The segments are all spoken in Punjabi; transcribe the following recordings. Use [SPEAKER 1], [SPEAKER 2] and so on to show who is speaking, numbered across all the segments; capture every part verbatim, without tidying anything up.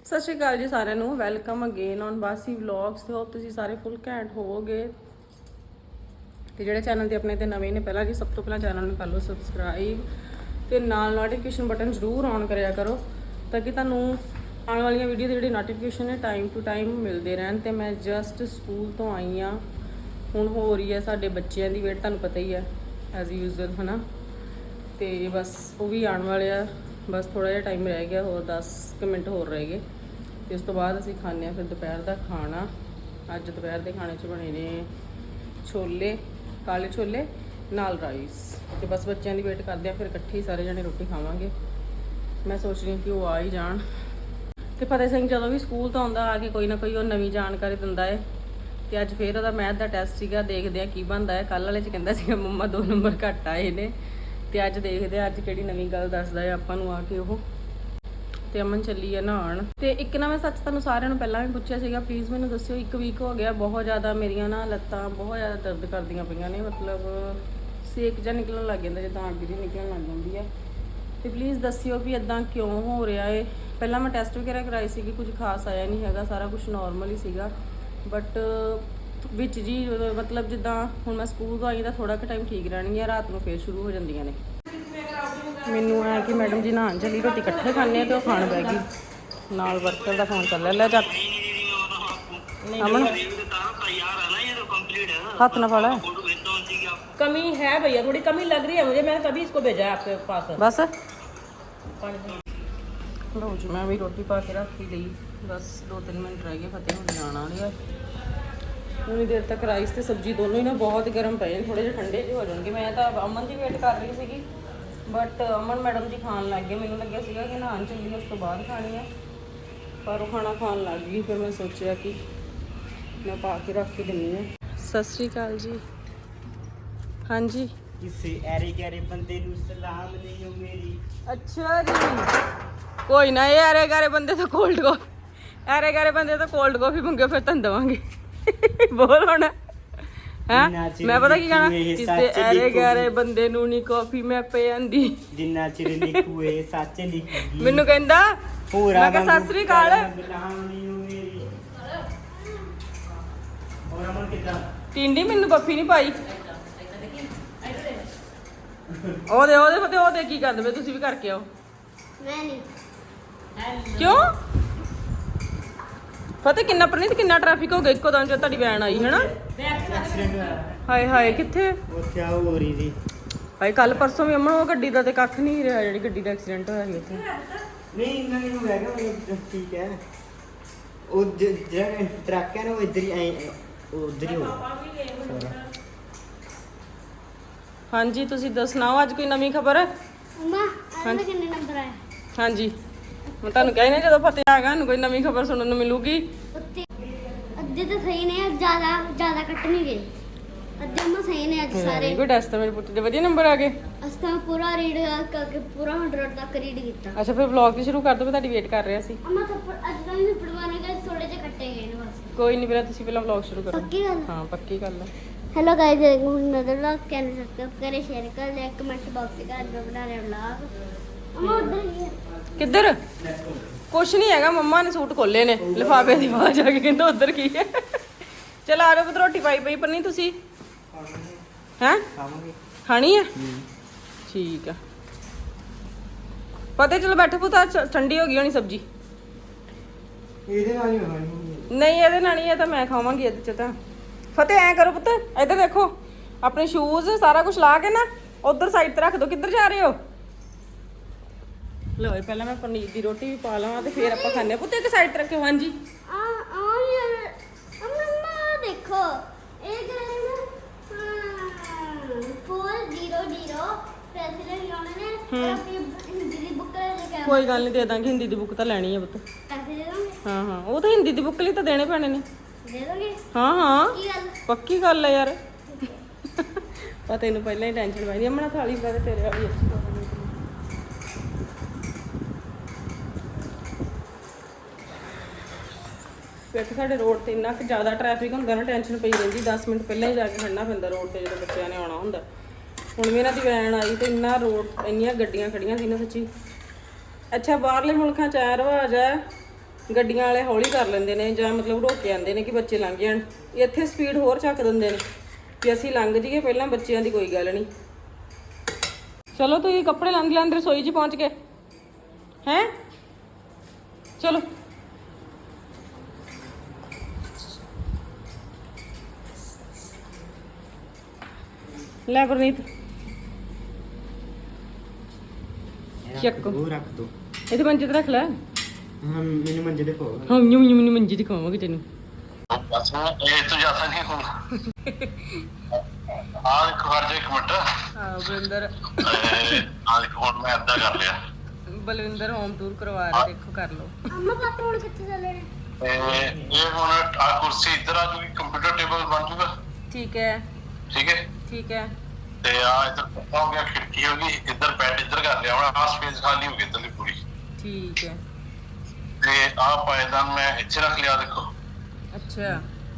[SPEAKER 1] ਸਤਿ ਸ਼੍ਰੀ ਅਕਾਲ ਜੀ ਸਾਰਿਆਂ ਨੂੰ। Welcome again on Bassi vlogs. ਤੇ ਹੋਪ ਤੁਸੀਂ ਸਾਰੇ ਫੁੱਲ ਘੈਂਟ ਹੋਵੋਗੇ। ਤੇ ਜਿਹੜੇ ਚੈਨਲ ਤੇ ਆਪਣੇ ਤੇ ਨਵੇਂ ਨੇ, ਪਹਿਲਾਂ ਜੀ ਸਭ ਤੋਂ ਪਹਿਲਾਂ ਚੈਨਲ ਨੂੰ ਕਰ ਲਓ ਸਬਸਕ੍ਰਾਈਬ ਤੇ ਨਾਲ ਨੋਟੀਫਿਕੇਸ਼ਨ ਬਟਨ ਜ਼ਰੂਰ ਔਨ ਕਰਿਆ ਕਰੋ ਤਾਂ ਕਿ ਤੁਹਾਨੂੰ ਆਉਣ ਵਾਲੀਆਂ ਵੀਡੀਓ ਦੇ ਜਿਹੜੇ ਨੋਟੀਫਿਕੇਸ਼ਨ ਨੇ ਟਾਈਮ ਟੂ ਟਾਈਮ ਮਿਲਦੇ ਰਹਿਣ। ਤੇ ਮੈਂ ਜਸਟ ਸਕੂਲ ਤੋਂ ਆਈ ਹਾਂ, ਹੁਣ ਹੋ ਰਹੀ ਹੈ ਸਾਡੇ ਬੱਚਿਆਂ ਦੀ ਵੇਟ, ਤੁਹਾਨੂੰ ਪਤਾ ਹੀ ਹੈ ਐਜ਼ ਯੂਜ਼ੁਅਲ ਹੈ ਨਾ। ਤੇ ਬਸ ਉਹ ਵੀ ਆਉਣ ਵਾਲੇ ਆ, ਬਸ ਥੋੜਾ ਜਿਹਾ ਟਾਈਮ ਰਹਿ ਗਿਆ, ਹੋਰ ਦਸ ਕੁ ਮਿੰਟ ਹੋਰ ਰਹਿ ਗਏ ਤੇ ਉਸ ਤੋਂ ਬਾਅਦ ਅਸੀਂ ਖਾਂਦੇ ਹਾਂ ਫਿਰ ਦੁਪਹਿਰ ਦਾ ਖਾਣਾ। ਅੱਜ ਦੁਪਹਿਰ ਦੇ ਖਾਣੇ 'ਚ ਬਣੇ ਨੇ ਛੋਲੇ, ਕਾਲੇ ਛੋਲੇ ਨਾਲ ਰਾਈਸ। ਤੇ ਬਸ ਬੱਚਿਆਂ ਦੀ ਵੇਟ ਕਰਦੇ ਆ, ਫਿਰ ਇਕੱਠੇ ਹੀ ਸਾਰੇ ਜਣੇ ਰੋਟੀ ਖਾਵਾਂਗੇ। ਮੈਂ ਸੋਚ ਰਹੀ ਹਾਂ ਕਿ ਉਹ ਆ ਹੀ ਜਾਣ। ਤੇ ਫਤਿਹ ਸਿੰਘ ਜਦੋਂ ਵੀ ਸਕੂਲ ਤੋਂ ਆਉਂਦਾ, ਆ ਕੇ ਕੋਈ ਨਾ ਕੋਈ ਉਹ ਨਵੀਂ ਜਾਣਕਾਰੀ ਦਿੰਦਾ ਹੈ। ਤੇ ਅੱਜ ਫਿਰ ਉਹਦਾ ਮੈਥ ਦਾ ਟੈਸਟ ਸੀਗਾ, ਦੇਖਦੇ ਆ ਕੀ ਬਣਦਾ ਹੈ। ਕੱਲ੍ਹ ਵਾਲੇ 'ਚ ਕਹਿੰਦਾ ਸੀਗਾ ਮੰਮਾ ਦੋ ਨੰਬਰ ਘੱਟ ਆਏ ਨੇ, ਤੇ ਅੱਜ ਦੇਖਦੇ ਆ ਅੱਜ ਕਿਹੜੀ ਨਵੀਂ ਗੱਲ ਦੱਸਦਾ ਹੈ ਆਪਾਂ ਨੂੰ ਆ ਕੇ ਉਹ। ਤੇ ਅਮਨ ਚੱਲੀ ਹੈ ਨਹਾਉਣ। ਤੇ ਇੱਕ ਨਾ ਮੈਂ ਸੱਚ ਤੁਹਾਨੂੰ ਸਾਰਿਆਂ ਨੂੰ ਪਹਿਲਾਂ ਵੀ ਪੁੱਛਿਆ ਸੀਗਾ, ਪਲੀਜ਼ ਮੈਨੂੰ ਦੱਸਿਓ, ਇੱਕ ਵੀਕ ਹੋ ਗਿਆ ਬਹੁਤ ਜ਼ਿਆਦਾ ਮੇਰੀਆਂ ਨਾ ਲੱਤਾਂ ਬਹੁਤ ਜ਼ਿਆਦਾ ਦਰਦ ਕਰਦੀਆਂ ਪਈਆਂ ਨੇ, ਮਤਲਬ ਸੇਕ ਜਿਹਾ ਨਿਕਲਣ ਲੱਗ ਜਾਂਦਾ, ਜਿੱਦਾਂ ਅੱਗ ਜਿਹੀ ਨਿਕਲਣ ਲੱਗ ਜਾਂਦੀ ਹੈ। ਤੇ ਪਲੀਜ਼ ਦੱਸਿਓ ਵੀ ਇੱਦਾਂ ਕਿਉਂ ਹੋ ਰਿਹਾ ਹੈ। ਪਹਿਲਾਂ ਮੈਂ ਟੈਸਟ ਵਗੈਰਾ ਕਰਾਈ ਸੀਗੀ, ਕੁਝ ਖਾਸ ਆਇਆ ਨਹੀਂ ਹੈਗਾ, ਸਾਰਾ ਕੁਝ ਨੋਰਮਲ ਹੀ ਸੀਗਾ। ਬਟ ਵਿੱਚ ਜੀ ਮਤਲਬ ਜਿੱਦਾਂ ਹੁਣ ਮੈਂ ਸਕੂਲ ਤੋਂ ਆਈ ਤਾਂ ਥੋੜਾ ਕੁ ਟਾਈਮ ਠੀਕ ਰਹਿਣਗੀਆਂ, ਰਾਤ ਨੂੰ ਫੇਰ ਸ਼ੁਰੂ ਹੋ ਜਾਂਦੀਆਂ ਨੇ। ਮੈਨੂੰ ਐ ਕਿ ਮੈਡਮ ਜੀ ਨਹਾਉਣ ਚੱਲੀ, ਰੋਟੀ ਇਕੱਠੇ ਖਾਂਦੇ ਆ ਤੇ ਉਹ ਖਾਣ ਬਹਿ ਗਈ। ਨਾਲ ਵਰਕਰ ਦਾ ਫੋਨ ਚੱਲ ਲੈ ਚੱਕ ਅਮਨ हाथ ना फाड़ा।
[SPEAKER 2] कमी है भैया, थोड़ी कमी लग रही है मुझे, मैंने तभी इसको भेजा है आपके पास।
[SPEAKER 1] बस लो जी, मैं भी रोटी पा के रख ही ली, बस दो तीन मिनट रह गए, फतेह होने आने वाले है। उन्नी देर तक राइस ते सब्जी दोनों ही ना बहुत गर्म पे, थोड़े जे ठंडे जे हो जाएंगे। मैं तो अमन की वेट कर रही थी, बट अमन मैडम जी खान लग गए। मैंने लग्या सीगा कि नहान चली उस तो बाद खानी है, पर वो खाना खान लग गई। फिर मैं सोचा कि मैं पा के रख के दिनी है। सत श्री अकाल जी। हाँ जी,
[SPEAKER 3] किसी ऐरे गैरे बंदे नू सलाम नहीं हो मेरी।
[SPEAKER 1] अच्छा जी, कोई ना, ये ऐरे गैरे बंदे तो कोल्ड कॉफी, ऐरे गैरे बंदे तो कोल्ड कॉफी मंगे फिर तन देवांगे। बोल होना है। मैं पता की कहना, किसी ऐरे गैरे बंदे नू नी कॉफी मैं पियांदी,
[SPEAKER 3] जिन्ना चिर लिखूए सच लिखूगी।
[SPEAKER 1] मैनू कहंदा
[SPEAKER 3] पूरा
[SPEAKER 1] मैं कहा सत श्री अकाल।
[SPEAKER 3] सलाम नहीं हो मेरी। और अमन कितना
[SPEAKER 1] टिंडी मैनू बफी नहीं पाई। ਉਹਦੇ ਉਹਦੇ ਫਤੇ ਉਹਦੇ ਕੀ ਕਰਦੇ ਪਏ ਤੁਸੀਂ? ਵੀ ਕਰਕੇ ਆਓ।
[SPEAKER 4] ਮੈਂ ਨਹੀਂ।
[SPEAKER 1] ਕਿਉਂ ਫਤੇ? ਕਿੰਨਾ ਪ੍ਰਨੀਤ ਕਿੰਨਾ ਟ੍ਰੈਫਿਕ ਹੋ ਗਿਆ ਇੱਕੋ ਦਮ ਜਦ ਤੁਹਾਡੀ ਵੈਨ ਆਈ ਹੈ ਨਾ।
[SPEAKER 3] ਐਕਸੀਡੈਂਟ ਹੋਇਆ
[SPEAKER 1] ਹਾਏ ਹਾਏ, ਕਿੱਥੇ?
[SPEAKER 3] ਉੱਥੇ ਆ ਹੋ ਰਹੀ ਸੀ।
[SPEAKER 1] ਹਾਏ ਕੱਲ ਪਰਸੋਂ ਵੀ ਅਮਨ ਉਹ ਗੱਡੀ ਦਾ ਤੇ ਕੱਖ ਨਹੀਂ ਰਿਹਾ, ਜਿਹੜੀ ਗੱਡੀ ਦਾ ਐਕਸੀਡੈਂਟ ਹੋਇਆ ਸੀ ਉੱਥੇ।
[SPEAKER 3] ਨਹੀਂ ਇੰਨਾ ਨਹੀਂ ਹੋਇਆ ਕਿ ਠੀਕ ਹੈ। ਉਹ ਜ- ਜਿਹੜਾ ਟਰੱਕ ਹੈ ਨਾ ਉਹ ਇੱਧਰ ਹੀ ਐ ਉਧਰ ਹੀ ਹੋ ਗਿਆ।
[SPEAKER 1] ਹਾਂਜੀ ਤੁਸੀਂ ਦੱਸ ਸੁਣਾਓ, ਅੱਜ ਕੋਈ ਨਵੀਂ ਖਬਰ?
[SPEAKER 4] ਉਮਾ ਅੱਜ ਕਿੰਨੇ ਨੰਬਰ ਆਇਆ?
[SPEAKER 1] ਹਾਂਜੀ ਮੈਂ ਤੁਹਾਨੂੰ ਕਹਿ ਨਹੀਂ, ਜਦੋਂ ਫਤਿਹ ਆਏਗਾ ਸਾਨੂੰ ਕੋਈ ਨਵੀਂ ਖਬਰ ਸੁਣਨ ਨੂੰ ਮਿਲੂਗੀ।
[SPEAKER 4] ਉੱਤੇ ਅੱਧੇ ਤਾਂ ਸਹੀ ਨੇ, ਜ਼ਿਆਦਾ ਜ਼ਿਆਦਾ ਕੱਟ ਨਹੀਂ ਗਏ, ਅੱਧੇ ਉਮਾ ਸਹੀ ਨੇ ਅੱਜ ਸਾਰੇ।
[SPEAKER 1] ਕੋਈ ਟੈਸਟ ਤਾਂ ਮੇਰੇ ਪੁੱਤ ਦੇ ਵਧੀਆ ਨੰਬਰ ਆ ਗਏ।
[SPEAKER 4] ਅਸੀਂ ਤਾਂ ਪੂਰਾ ਰੀਡ ਕਰਕੇ ਪੂਰਾ ਹੰਡਰਡ ਤੱਕ ਰੀਡ ਕੀਤਾ।
[SPEAKER 1] ਅੱਛਾ ਫਿਰ ਵਲੌਗ ਵੀ ਸ਼ੁਰੂ ਕਰ ਦੋ, ਮੈਂ ਤੁਹਾਡੀ ਵੇਟ ਕਰ ਰਿਹਾ ਸੀ।
[SPEAKER 4] ਅਮਾ ਥੱਪੜ ਅੱਜ ਤਾਂ ਵੀ ਪੜਵਾਣੇ ਗਏ, ਥੋੜੇ ਜਿਹੇ ਕੱਟੇ ਗਏ ਨੇ ਬਸ।
[SPEAKER 1] ਕੋਈ ਨਹੀਂ, ਪਹਿਲਾਂ ਤੁਸੀਂ ਪਹਿਲਾਂ ਵਲੌਗ ਸ਼ੁਰੂ ਕਰੋ।
[SPEAKER 4] ਪੱਕੀ ਗੱਲ?
[SPEAKER 1] ਹਾਂ ਪੱਕੀ ਗੱਲ ਹੈ।
[SPEAKER 4] Hello guys, another vlog channel subscribe करें, शेयर कर दें, कमेंट बॉक्स में कर बना रहे व्लॉग। अम्मा उधर ही है।
[SPEAKER 1] ਕਿੱਧਰ? ਕੁਛ ਨਹੀਂ ਹੈਗਾ, ਮੰਮਾ ਨੇ ਸੂਟ ਖੋਲੇ ਨੇ, ਲਿਫਾਫੇ ਦੀ ਆਵਾਜ਼ ਆ ਕੇ ਕਹਿੰਦਾ ਉਧਰ ਕੀ ਹੈ। ਚਲ ਆ ਜਾਓ ਪੁੱਤ, ਰੋਟੀ ਪਾਈ ਪਈ ਪਰ ਨਹੀਂ ਤੁਸੀਂ ਹੈ
[SPEAKER 3] ਖਾਵਾਂਗੇ।
[SPEAKER 1] ਖਾਣੀ ਹੈ? ਠੀਕ ਆ ਪਤਾ। ਚਲੋ ਬੈਠੋ ਪੁੱਤ, ਅੱਜ ਠੰਡੀ ਹੋ ਗਈ ਹੋਣੀ ਸਬਜ਼ੀ।
[SPEAKER 3] ਇਹਦੇ ਨਾਲ ਹੀ ਹੋਣੀ।
[SPEAKER 1] ਨਹੀਂ ਇਹਦੇ ਨਾਲ ਨਹੀਂ, ਇਹ ਤਾਂ ਮੈਂ ਖਾਵਾਂਗੀ ਇਹਦੇ ਚ ਤਾਂ। ਫਤਿਹ ਐ ਕਰੋ ਪੁੱਤ, ਇੱਧਰ ਦੇਖੋ, ਆਪਣੇ ਸ਼ੂਜ਼ ਸਾਰਾ ਕੁਝ ਲਾ ਕੇ ਨਾ ਉਧਰ ਸਾਈਡ ਤੇ ਰੱਖ ਦਿਓ। ਕਿੱਧਰ ਜਾ ਰਹੇ ਹੋ? ਲਓ ਪਹਿਲਾਂ ਮੈਂ ਪਨੀਰ ਦੀ ਰੋਟੀ ਵੀ ਪਾ ਲਵਾਂ ਤੇ ਫਿਰ ਆਪਾਂ ਖਾਂਦੇ ਆ। ਪੁੱਤ ਇੱਕ ਸਾਈਡ ਤੇ ਰੱਖਿਓ। ਹਾਂਜੀ
[SPEAKER 4] आ आ यार अम्मा देखो एक है ना फोर जीरो जीरो पैसे लेने ने और अपनी हिंदी की बुक लेके
[SPEAKER 1] ਕੋਈ ਗੱਲ ਨਹੀਂ, ਦੇ ਦਾਂਗੇ। ਹਿੰਦੀ ਦੀ ਬੁੱਕ ਤਾਂ ਲੈਣੀ ਹੈ ਪੁੱਤ।
[SPEAKER 4] पैसे दे दोगे?
[SPEAKER 1] ਹਾਂ ਹਾਂ, ਉਹ ਤਾਂ ਹਿੰਦੀ ਦੀ ਬੁੱਕ ਲਈ ਤਾਂ ਦੇਣੇ ਪੈਣੇ ਨੇ।
[SPEAKER 4] दे दोगे?
[SPEAKER 1] ਹਾਂ ਹਾਂ
[SPEAKER 4] की गल?
[SPEAKER 1] ਪੱਕੀ ਗੱਲ ਹੈ ਯਾਰ। ਪਤਾ ਤੈਨੂੰ ਪਹਿਲਾਂ ਹੀ ਟੈਨਸ਼ਨ ਪਾਈ। ਅਮਣਾ ਥਾਲੀ ਪਾ ਦੇ ਤੇਰੇ ਵਾਲੀ ਅੱਛੀ ਪਾ ਦੇ। ਕਿਉਂਕਿ ਸਾਡੇ ਰੋਡ ਤੇ ਇੰਨਾ ਕੁ ਜ਼ਿਆਦਾ ਟ੍ਰੈਫਿਕ ਹੁੰਦਾ ਨਾ, ਟੈਨਸ਼ਨ ਪਈ ਰਹਿੰਦੀ। ਦਸ ਮਿੰਟ ਪਹਿਲਾਂ ਹੀ ਜਾ ਕੇ ਖੜਨਾ ਪੈਂਦਾ ਰੋਡ ਤੇ ਜਦੋਂ ਬੱਚਿਆਂ ਨੇ ਆਉਣਾ ਹੁੰਦਾ। ਹੁਣ ਵੀ ਇਹਨਾਂ ਦੀ ਵੈਨ ਆਈ ਤੇ ਇੰਨਾ ਰੋਡ ਇੰਨੀਆਂ ਗੱਡੀਆਂ ਖੜੀਆਂ ਸੀ ਨਾ ਸੱਚੀ। ਅੱਛਾ ਬਾਹਰਲੇ ਮੁਲਕਾਂ 'ਚ ਐ ਰਿਵਾਜ ਹੈ ਗੱਡੀਆਂ ਵਾਲੇ ਹੌਲੀ ਕਰ ਲੈਂਦੇ ਨੇ ਜਾਂ ਮਤਲਬ ਰੋਕ ਕੇ ਆਉਂਦੇ ਨੇ ਕਿ ਬੱਚੇ ਲੰਘ ਜਾਣ। ਇੱਥੇ ਸਪੀਡ ਹੋਰ ਚੱਕ ਦਿੰਦੇ ਨੇ ਕਿ ਅਸੀਂ ਲੰਘ ਜਾਈਏ ਪਹਿਲਾਂ, ਬੱਚਿਆਂ ਦੀ ਕੋਈ ਗੱਲ ਨਹੀਂ। ਚਲੋ ਤੁਸੀਂ ਕੱਪੜੇ ਲੰਘ ਲਾਂ ਰਸੋਈ 'ਚ ਪਹੁੰਚ ਗਏ ਹੈਂ, ਚਲੋ ਲੈ ਗੁਰਨੀਤ ਚੱਕ
[SPEAKER 3] ਉਹ ਰੱਖ ਦੋ।
[SPEAKER 1] ਇਹਦੇ ਮੰਜੇ ਤੇ ਰੱਖ ਲੈ।
[SPEAKER 3] ਹਾਂ ਮੈਨੂੰ ਮੰਜੇ ਤੇ ਪਾਓ।
[SPEAKER 1] ਹਾਂ ਨਿਉ ਨਿਉ ਨਿਉ ਮੰਜੇ ਤੇ ਖਾਵਾਂਗੇ ਤੈਨੂੰ।
[SPEAKER 5] बस में ये तो ज्यादा नहीं होगा। आज कर जो एक मिनट
[SPEAKER 1] ਹਾਂ ਬਲਿੰਦਰ
[SPEAKER 5] आज फोन में अद्धा कर लिया
[SPEAKER 1] ਬਲਵਿੰਦਰ ਹੋਮ ਟੂਰ ਕਰਵਾ ਰਿਹਾ, ਦੇਖੋ ਕਰ ਲਓ।
[SPEAKER 4] ਅੰਮਾ ਪਾਪਾ ਹੁਣ ਕਿੱਥੇ ਚੱਲੇ ਨੇ?
[SPEAKER 5] ते ये हुन आ कुर्सी इधर आ जूगी, कंप्यूटर टेबल बन जूगा।
[SPEAKER 1] ਠੀਕ ਹੈ
[SPEAKER 5] ठीक है
[SPEAKER 1] ਠੀਕ है
[SPEAKER 5] ते आ इधर पक्का हो गया, खिड़की होगी इधर, बेड इधर कर लिया। हुन आ स्पेस खाली हो गई इधरली पूरी।
[SPEAKER 1] ठीक है
[SPEAKER 5] ते आ पायदान मैं इथे रख लिया, देखो।
[SPEAKER 1] अच्छा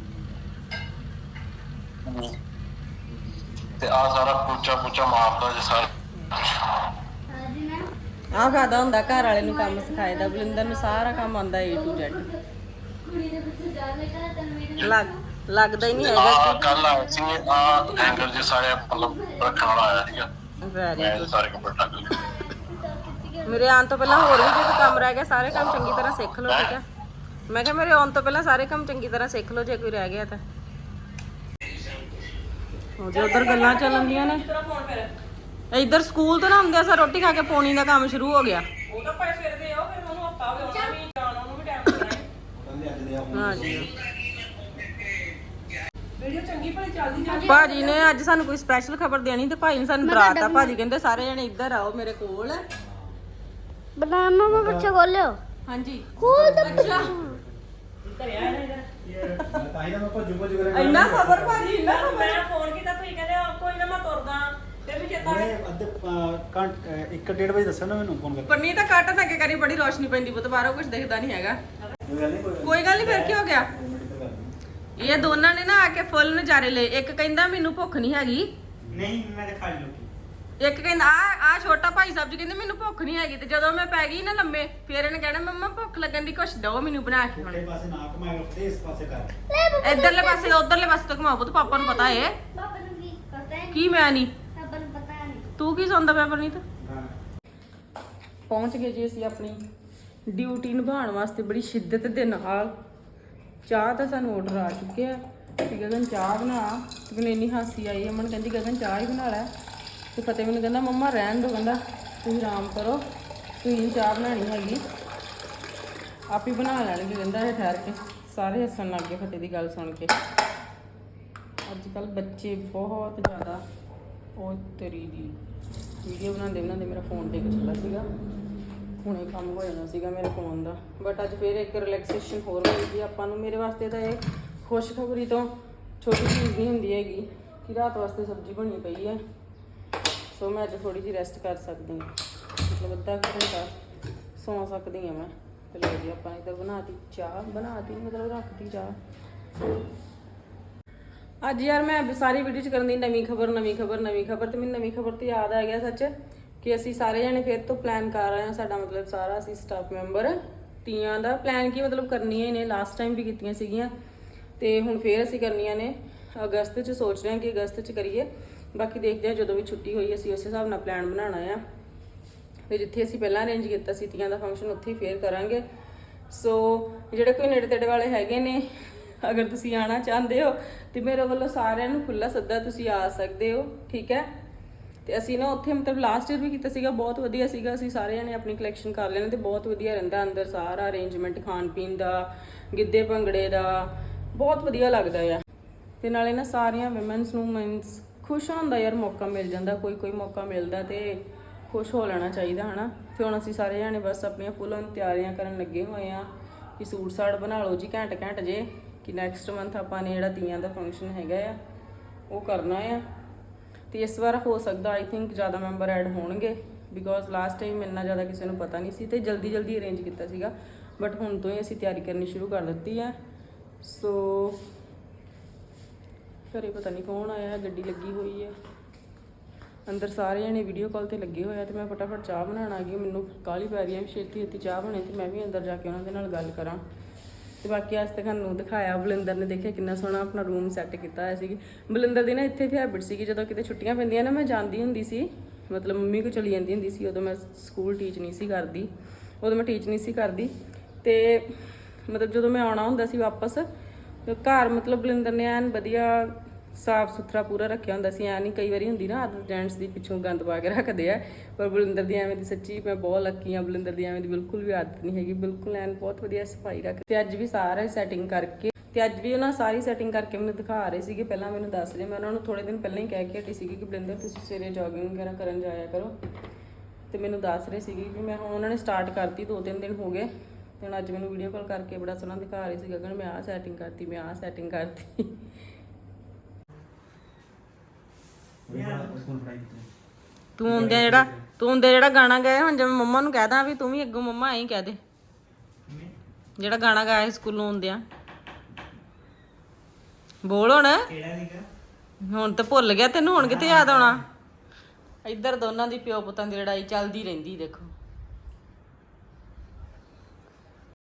[SPEAKER 5] ते आ सारा पोचा पोचा मारदा जे सारा।
[SPEAKER 4] ਸਾਜੀ ਨਾ
[SPEAKER 1] ਆਹ ਫਾਇਦਾ ਹੁੰਦਾ ਘਰ ਵਾਲੇ ਨੂੰ ਕੰਮ ਸਿਖਾਏ ਦਾ। ਬਲਿੰਦਰ ਨੂੰ ਸਾਰਾ ਕੰਮ ਆਉਂਦਾ ਏ ਟੂ ਜ਼ੈਡ।
[SPEAKER 4] ਕੁੜੀ ਦੇ ਪਿੱਛੇ ਜਾ ਲੈ ਕਰ ਤਨ ਮੇਰੇ
[SPEAKER 1] ਲੱਗ ਲੱਗਦਾ ਹੀ ਨਹੀਂ
[SPEAKER 5] आ
[SPEAKER 1] ਹੈਗਾ
[SPEAKER 5] कल आए सी आ हैंगर जे सारे मतलब रखने वाला आया सीगा।
[SPEAKER 1] ਕਿ ਵੈਰੀ
[SPEAKER 5] मैं
[SPEAKER 1] ਗੁੱਡ।
[SPEAKER 5] सारे कपड़े टक लिए।
[SPEAKER 1] ਮੇਰੇ ਆਉਣ ਤੋਂ ਪਹਿਲਾਂ ਹੋਰ ਵੀ ਜੇ ਕੋਈ ਕੰਮ ਰਹਿ ਗਿਆ ਸਾਰੇ ਕੰਮ ਚੰਗੀ ਤਰ੍ਹਾਂ ਸਿੱਖ ਲਓ, ਠੀਕ ਹੈ। ਮੈਂ ਕਿਹਾ ਮੇਰੇ ਆਉਣ ਤੋਂ ਪਹਿਲਾਂ ਸਾਰੇ ਕੰਮ ਚੰਗੀ ਤਰ੍ਹਾਂ ਸਿੱਖ ਲਓ, ਜੇ ਕੋਈ ਰਹਿ ਗਿਆ ਤਾਂ। ਉਹ ਜੇ ਉਧਰ ਗੱਲਾਂ ਚੱਲਣਦੀਆਂ ਨੇ, ਇੱਧਰ ਸਕੂਲ ਤੋਂ ਨਾ ਹੁੰਦੇ ਸਾ ਰੋਟੀ ਖਾ ਕੇ ਪੌਣੀ ਦਾ ਕੰਮ ਸ਼ੁਰੂ ਹੋ ਗਿਆ।
[SPEAKER 2] ਉਹ ਤਾਂ ਭਾਈ ਫਿਰ ਦੇ ਆਓ, ਫਿਰ ਉਹਨੂੰ ਹਫਤਾ ਹੋ ਗਿਆ ਉਹਨਾਂ ਵੀ ਜਾਣਾ, ਉਹਨੂੰ ਵੀ ਟਾਈਮ ਲੱਗਣਾ ਹੈ।
[SPEAKER 1] ਹਾਂਜੀ
[SPEAKER 2] ਵੀਡੀਓ ਚੰਗੀ ਭਲੀ ਚੱਲਦੀ ਜਾਂਦੀ।
[SPEAKER 1] ਭਾਜੀ ਨੇ ਅੱਜ ਸਾਨੂੰ ਕੋਈ ਸਪੈਸ਼ਲ ਖਬਰ ਦੇਣੀ ਤੇ ਭਾਈ ਨੇ ਸਾਨੂੰ ਡਰਾਤਾ। ਭਾਜੀ ਕਹਿੰਦੇ ਸਾਰੇ ਜਣੇ ਇੱਧਰ ਆਓ ਮੇਰੇ ਕੋਲ।
[SPEAKER 4] ਬਣਾ ਮਮਾ ਬੱਚਾ ਖੋਲਿਓ।
[SPEAKER 1] ਹਾਂਜੀ
[SPEAKER 4] ਖੋਲ ਦੇ
[SPEAKER 1] ਅੱਛਾ
[SPEAKER 2] ਘਰੇ ਆਇਆ ਨਾ ਇਹਦਾ।
[SPEAKER 3] ਤਾਂ ਹੀ ਤਾਂ ਮੈਂ ਭੱਜੂ ਭੱਜੂ ਕਰਾਂ।
[SPEAKER 1] ਇੰਨਾ ਖਬਰ ਭਾਜੀ ਇੰਨਾ ਖਬਰ।
[SPEAKER 2] ਮੈਂ ਫੋਨ ਕੀਤਾ, ਤੁਸੀਂ ਕਹਿੰਦੇ ਆ, ਕੋਈ ਨਾ ਮੈਂ ਤੁਰਦਾ, ਫਿਰ ਵੀ ਚੇਤਾ
[SPEAKER 3] ਉਹਨੇ ਅੱਧੇ ਘੰਟੇ ਇੱਕ ਡੇਢ ਵਜੇ ਦੱਸਿਆ ਨਾ ਮੈਨੂੰ ਫੋਨ ਕਰਕੇ।
[SPEAKER 1] ਪੰਨੀ ਤਾਂ ਕੱਟ ਨਾ ਕੇ ਕਰੀ, ਬੜੀ ਰੋਸ਼ਨੀ ਪੈਂਦੀ ਪੁੱਤ, ਬਾਹਰੋਂ ਕੁਝ ਦਿਖਦਾ ਨਹੀਂ ਹੈਗਾ।
[SPEAKER 3] ਕੋਈ ਗੱਲ ਨਹੀਂ,
[SPEAKER 1] ਕੋਈ ਗੱਲ ਨਹੀਂ, ਫਿਰ ਕੀ ਹੋ ਗਿਆ। ਇਹ ਦੋਨਾਂ ਨੇ ਨਾ ਆ ਕੇ ਫੁੱਲ ਨਜ਼ਾਰੇ ਲਏ। ਇੱਕ ਕਹਿੰਦਾ ਮੈਨੂੰ ਭੁੱਖ ਨਹੀਂ ਹੈਗੀ,
[SPEAKER 3] ਨਹੀਂ ਮੈਂ ਤਾਂ ਖਾ ਲਈ ਰੋਟੀ।
[SPEAKER 1] ਇੱਕ ਕਹਿੰਦਾ ਆ ਆ ਛੋਟਾ ਭਾਈ ਸਾਹਿਬ ਜੀ ਕਹਿੰਦੇ ਮੈਨੂੰ ਭੁੱਖ ਨਹੀਂ ਹੈਗੀ। ਤੇ ਜਦੋਂ ਮੈਂ ਪੈ ਗਈ ਨਾ ਲੰਮੇ, ਫਿਰ ਇਹਨੇ ਕਹਿਣਾ ਮੰਮਾ ਭੁੱਖ ਲੱਗਣ ਦੀ, ਕੁਛ ਦਿਓ ਮੈਨੂੰ ਬਣਾ ਕੇ। ਹੁਣ
[SPEAKER 3] ਇਹ ਪਾਸੇ ਨਾ ਘੁਮਾਇਆ ਕਰ, ਇਸ ਪਾਸੇ ਕਰ।
[SPEAKER 1] ਇਧਰਲੇ ਪਾਸੇ ਤੋਂ ਉਧਰਲੇ ਪਾਸੇ ਤੋਂ ਘੁਮਾਓ ਪੁੱਤ, ਪਾਪਾ ਨੂੰ ਪਤਾ ਏ।
[SPEAKER 4] ਪਾਪਾ ਨੂੰ ਕੀ ਪਤਾ ਹੈ?
[SPEAKER 1] ਕੀ ਮੈਂ ਨਹੀਂ,
[SPEAKER 4] ਪਾਪਾ ਨੂੰ ਪਤਾ ਨਹੀਂ।
[SPEAKER 1] ਤੂੰ ਕੀ ਸੌਂਦਾ ਪਿਆ ਪਰਨੀਤ?
[SPEAKER 3] ਹਾਂ
[SPEAKER 1] ਪਹੁੰਚ ਗਏ ਜੀ ਅਸੀਂ ਆਪਣੀ ਡਿਊਟੀ ਨਿਭਾਉਣ ਵਾਸਤੇ ਬੜੀ ਸ਼ਿੱਦਤ ਦੇ ਨਾਲ। ਚਾਹ ਤਾਂ ਸਾਨੂੰ ਆਰਡਰ ਆ ਚੁੱਕਿਆ ਕਿ ਗਗਨ ਚਾਹ ਬਣਾ। ਤੇ ਮੈਨੂੰ ਇੰਨੀ ਹਾਸੀ ਆਈ, ਅਮਨ ਕਹਿੰਦੀ ਗਗਨ ਚਾਹ ਹੀ ਬਣਾ ਲੈ। ਤੇ ਫਤਿਹ ਮੈਨੂੰ ਕਹਿੰਦਾ ਮੰਮਾ ਰਹਿਣ ਦਿਓ, ਕਹਿੰਦਾ ਤੁਸੀਂ ਆਰਾਮ ਕਰੋ, ਤੁਸੀਂ ਚਾਹ ਬਣਾਉਣੀ ਹੈਗੀ, ਆਪ ਹੀ ਬਣਾ ਲੈਣਗੇ, ਕਹਿੰਦਾ ਇਹ ਠਹਿਰ ਕੇ। ਸਾਰੇ ਹੱਸਣ ਲੱਗ ਗਏ ਫਤਿਹ ਦੀ ਗੱਲ ਸੁਣ ਕੇ। ਅੱਜ ਕੱਲ ਬੱਚੇ ਬਹੁਤ ਜ਼ਿਆਦਾ, ਉਹ ਤੇਰੀ ਦੀ ਵੀਡੀਓ ਬਣਾਉਂਦੇ ਬਣਾਉਂਦੇ ਮੇਰਾ ਫੋਨ ਡਿੱਗ ਚੱਲਾ ਸੀਗਾ। ਹੁਣੇ ਕੰਮ ਹੋ ਜਾਣਾ ਸੀਗਾ ਮੇਰੇ ਫੋਨ ਦਾ, ਬਟ ਅੱਜ ਫਿਰ ਇੱਕ ਰਿਲੈਕਸੇਸ਼ਨ ਹੋਰ ਹੋਈ ਸੀ ਆਪਾਂ ਨੂੰ। ਮੇਰੇ ਵਾਸਤੇ ਤਾਂ ਇਹ ਖੁਸ਼ਖਬਰੀ ਤੋਂ ਛੋਟੀ ਚੀਜ਼ ਨਹੀਂ ਹੁੰਦੀ ਹੈਗੀ ਕਿ ਰਾਤ ਵਾਸਤੇ ਸਬਜ਼ੀ ਬਣੀ ਪਈ ਹੈ। ਸੋ ਮੈਂ ਅੱਜ ਥੋੜੀ ਜਿਹੀ ਰੈਸਟ ਕਰ ਸਕਦੀ ਹਾਂ, ਮਤਲਬ ਅੱਧਾ ਕੁ ਘੰਟਾ ਸੌਂ ਸਕਦੀ ਹਾਂ ਮੈਂ। ਤੇ ਲਓ ਜੀ ਆਪਾਂ ਇੱਧਰ ਬਣਾਤੀ ਚਾਹ, ਬਣਾਤੀ ਮਤਲਬ ਰੱਖਤੀ ਚਾਹ। ਅੱਜ ਯਾਰ ਮੈਂ ਸਾਰੀ ਵੀਡੀਓ 'ਚ ਕਰਨ ਦੀ ਨਵੀਂ ਖਬਰ ਨਵੀਂ ਖਬਰ ਨਵੀਂ ਖਬਰ ਤੇ ਮੈਨੂੰ ਨਵੀਂ ਖਬਰ ਤੇ ਯਾਦ ਆ ਗਿਆ ਸੱਚ ਕਿ ਅਸੀਂ ਸਾਰੇ ਜਣੇ ਫਿਰ ਤੋਂ ਪਲਾਨ ਕਰ ਰਹੇ ਹਾਂ। ਸਾਡਾ ਮਤਲਬ ਸਾਰਾ ਅਸੀਂ ਸਟਾਫ ਮੈਂਬਰ ਤੀਆਂ ਦਾ ਪਲਾਨ ਕੀ ਮਤਲਬ ਕਰਨੀਆਂ ਹੀ ਨੇ, ਲਾਸਟ ਟਾਈਮ ਵੀ ਕੀਤੀਆਂ ਸੀਗੀਆਂ ਤੇ ਹੁਣ ਫੇਰ ਅਸੀਂ ਕਰਨੀਆਂ ਨੇ। ਅਗਸਤ 'ਚ ਸੋਚ ਰਹੇ ਹਾਂ ਕਿ ਅਗਸਤ 'ਚ ਕਰੀਏ, ਬਾਕੀ ਦੇਖਦੇ ਹਾਂ ਜਦੋਂ ਵੀ ਛੁੱਟੀ ਹੋਈ ਅਸੀਂ ਉਸੇ ਹਿਸਾਬ ਨਾਲ ਪਲਾਨ ਬਣਾਉਣਾ ਆ। ਤੇ ਜਿੱਥੇ ਅਸੀਂ ਪਹਿਲਾਂ ਅਰੇਂਜ ਕੀਤਾ ਸੀ ਤੀਆਂ ਦਾ ਫੰਕਸ਼ਨ, ਉੱਥੇ ਹੀ ਫੇਰ ਕਰਾਂਗੇ। ਸੋ ਜਿਹੜੇ ਕੋਈ ਨੇੜੇ ਤੇੜੇ ਵਾਲੇ ਹੈਗੇ ਨੇ, ਅਗਰ ਤੁਸੀਂ ਆਉਣਾ ਚਾਹੁੰਦੇ ਹੋ ਤੇ ਮੇਰੇ ਵੱਲੋਂ ਸਾਰਿਆਂ ਨੂੰ ਖੁੱਲਾ ਸੱਦਾ, ਤੁਸੀਂ ਆ ਸਕਦੇ ਹੋ, ਠੀਕ ਹੈ। ਤੇ ਅਸੀਂ ਨਾ ਉੱਥੇ ਮਤਲਬ ਲਾਸਟ ਈਅਰ ਵੀ ਕੀਤਾ ਸੀਗਾ, ਬਹੁਤ ਵਧੀਆ ਸੀਗਾ। ਅਸੀਂ ਸਾਰੇ ਜਣੇ ਆਪਣੀ ਕਲੈਕਸ਼ਨ ਕਰ ਲੈਣੇ ਤੇ ਬਹੁਤ ਵਧੀਆ ਰਹਿੰਦਾ ਅੰਦਰ ਸਾਰਾ ਅਰੇਂਜਮੈਂਟ, ਖਾਣ ਪੀਣ ਦਾ, ਗਿੱਧੇ ਭੰਗੜੇ ਦਾ, ਬਹੁਤ ਵਧੀਆ ਲੱਗਦਾ ਆ। ਤੇ ਨਾਲੇ ਨਾ ਸਾਰੀਆਂ ਵਿਮਨਸ ਨੂੰ ਮੀਨਸ ਖੁਸ਼ ਹੋਣ ਦਾ ਯਾਰ ਮੌਕਾ ਮਿਲ ਜਾਂਦਾ, ਕੋਈ ਕੋਈ ਮੌਕਾ ਮਿਲਦਾ ਤੇ ਖੁਸ਼ ਹੋ ਲੈਣਾ ਚਾਹੀਦਾ ਹਨਾ। ਤੇ ਹੁਣ ਅਸੀਂ ਸਾਰੇ ਜਣੇ ਬਸ ਆਪਣੀਆਂ ਫੁੱਲ ਔਨ ਤਿਆਰੀਆਂ ਕਰਨ ਲੱਗੇ ਹੋਏ ਆ ਕਿ ਸੂਟ ਸਾੜ ਬਣਾ ਲਓ ਜੀ ਘੈਂਟ ਘੈਂਟ ਜੇ, ਕਿ ਨੈਕਸਟ ਮੰਥ ਆਪਾਂ ਨੇ ਜਿਹੜਾ ਤੀਆਂ ਦਾ ਫੰਕਸ਼ਨ ਹੈਗਾ ਆ ਉਹ ਕਰਨਾ ਆ। ਤੇ ਇਸ ਵਾਰ ਹੋ ਸਕਦਾ ਆਈ ਥਿੰਕ ਜ਼ਿਆਦਾ ਮੈਂਬਰ ਐਡ ਹੋਣਗੇ, ਬਿਕੋਜ਼ ਲਾਸਟ ਟਾਈਮ ਇੰਨਾ ਜ਼ਿਆਦਾ ਕਿਸੇ ਨੂੰ ਪਤਾ ਨਹੀਂ ਸੀ ਤੇ ਜਲਦੀ ਜਲਦੀ ਅਰੇਂਜ ਕੀਤਾ ਸੀਗਾ, ਬਟ ਹੁਣ ਤੋਂ ਹੀ ਅਸੀਂ ਤਿਆਰੀ ਕਰਨੀ ਸ਼ੁਰੂ ਕਰ ਦਿੱਤੀ ਆ। ਸੋ ਘਰੇ ਪਤਾ ਨਹੀਂ ਕੌਣ ਆਇਆ, ਗੱਡੀ ਲੱਗੀ ਹੋਈ ਹੈ ਅੰਦਰ ਸਾਰੇ ਜਣੇ ਵੀਡੀਓ ਕਾਲ ਤੇ ਲੱਗੇ ਹੋਏ ਆ ਤੇ ਮੈਂ ਫਟਾਫਟ ਚਾਹ ਬਣਾਉਣ ਆ ਗਈ। ਮੈਨੂੰ ਕਾਹਲੀ ਪੈ ਰਹੀ ਹੈ ਵੀ ਛੇਤੀ ਛੇਤੀ ਚਾਹ ਬਣੇ ਤੇ ਮੈਂ ਵੀ ਅੰਦਰ ਜਾ ਕੇ ਉਹਨਾਂ ਦੇ ਨਾਲ ਗੱਲ ਕਰਾਂ। ਤੇ ਬਾਕੀ ਅੱਜ ਤੱਕ ਤੁਹਾਨੂੰ ਦਿਖਾਇਆ, ਬਲਿੰਦਰ ਨੇ ਦੇਖਿਆ ਕਿੰਨਾ ਸੋਹਣਾ ਆਪਣਾ ਰੂਮ ਸੈੱਟ ਕੀਤਾ ਹੋਇਆ ਸੀ। ਬਲਿੰਦਰ ਦੀ ਨਾ ਇੱਥੇ ਵੀ ਹੈਬਿਟ ਸੀਗੀ, ਜਦੋਂ ਕਿਤੇ ਛੁੱਟੀਆਂ ਪੈਂਦੀਆਂ ਨਾ ਮੈਂ ਜਾਂਦੀ ਹੁੰਦੀ ਸੀ, ਮਤਲਬ ਮੰਮੀ ਕੋਲ ਚਲੀ ਜਾਂਦੀ ਹੁੰਦੀ ਸੀ। ਉਦੋਂ ਮੈਂ ਸਕੂਲ ਟੀਚ ਨਹੀਂ ਸੀ ਕਰਦੀ, ਉਦੋਂ ਮੈਂ ਟੀਚ ਨਹੀਂ ਸੀ ਕਰਦੀ ਤੇ ਮਤਲਬ ਜਦੋਂ ਮੈਂ ਆਉਣਾ ਹੁੰਦਾ ਸੀ ਵਾਪਸ ਘਰ, ਮਤਲਬ ਬਲਿੰਦਰ ਨੇ ਐਨ ਵਧੀਆ ਸਾਫ ਸੁਥਰਾ ਪੂਰਾ ਰੱਖਿਆ ਹੁੰਦਾ ਸੀ। ਐ ਨਹੀਂ ਕਈ ਵਾਰੀ ਹੁੰਦੀ ਨਾ ਆਦਤ ਜੈਂਟਸ ਦੀ, ਪਿੱਛੋਂ ਗੰਦ ਪਾ ਕੇ ਰੱਖਦੇ ਆ, ਪਰ ਬਲਿੰਦਰ ਦੀ ਐਵੇਂ ਦੀ ਸੱਚੀ ਮੈਂ ਬਹੁਤ ਲੱਕੀ ਆ। ਬਲਿੰਦਰ ਦੀ ਐਵੇਂ ਦੀ ਬਿਲਕੁਲ ਵੀ ਆਦਤ ਨਹੀਂ ਹੈਗੀ, ਬਿਲਕੁਲ ਐਨ ਬਹੁਤ ਵਧੀਆ ਸਫਾਈ ਰੱਖ। ਤੇ ਅੱਜ ਵੀ ਸਾਰਾ ਸੈਟਿੰਗ ਕਰਕੇ ਤੇ ਅੱਜ ਵੀ ਉਹਨਾਂ ਸਾਰੀ ਸੈਟਿੰਗ ਕਰਕੇ ਮੈਨੂੰ ਦਿਖਾ ਰਹੇ ਸੀਗੇ। ਪਹਿਲਾਂ ਮੈਨੂੰ ਦੱਸ ਰਹੇ, ਮੈਂ ਉਹਨਾਂ ਨੂੰ ਥੋੜੇ ਦਿਨ ਪਹਿਲਾਂ ਹੀ ਕਹਿ ਕੇ ਹਟੀ ਸੀਗੀ ਕਿ ਬਲਿੰਦਰ ਤੁਸੀਂ ਸਵੇਰੇ ਜੋਗਿੰਗ ਵਗੈਰਾ ਕਰਨ ਜਾਇਆ ਕਰੋ। ਤੇ ਮੈਨੂੰ ਦੱਸ ਰਹੇ ਸੀਗੇ ਕਿ ਮੈਂ ਹੁਣ ਉਹਨਾਂ ਨੇ ਸਟਾਰਟ ਕਰਤੀ, ਦੋ ਤਿੰਨ ਦਿਨ ਹੋ ਗਏ। ਤੇ ਹੁਣ ਅੱਜ ਮੈਨੂੰ ਵੀਡੀਓ ਕਾਲ ਕਰਕੇ ਬੜਾ ਸੋਹਣਾ ਦਿਖਾ ਰਹੇ ਸੀ ਗਗਨ, ਮੈਂ ਆਹ ਸੈਟਿੰਗ ਕਰਤੀ, ਮੈਂ ਆਹ ਸੈਟਿੰਗ ਕਰਤੀ। ਤੂੰ ਹੁੰਦਿਆ ਜਿਹੜਾ ਤੂੰ ਹੁੰਦਿਆ ਜਿਹੜਾ ਗਾਣਾ ਗਾਇਆ, ਹੁਣ ਜਿਵੇਂ ਮੰਮਾ ਨੂੰ ਕਹਿਦਾ ਵੀ ਤੂੰ ਵੀ ਅੱਗੋਂ ਮੰਮਾ ਐਂ ਕਹਿ ਦੇ, ਜਿਹੜਾ ਗਾਣਾ ਗਾਇਆ ਸਕੂਲੋਂ ਹੁੰਦਿਆ ਬੋਲ ਹੁਣ।
[SPEAKER 3] ਕਿਹੜਾ ਸੀਗਾ?
[SPEAKER 1] ਹੁਣ ਤਾਂ ਭੁੱਲ ਗਿਆ ਤੈਨੂੰ, ਹੁਣ ਕਿੱਥੇ ਯਾਦ ਆਉਣਾ। ਇੱਧਰ ਦੋਨਾਂ ਦੀ ਪਿਓ ਪੁੱਤਾਂ ਦੀ ਲੜਾਈ ਚੱਲਦੀ ਰਹਿੰਦੀ ਦੇਖੋ।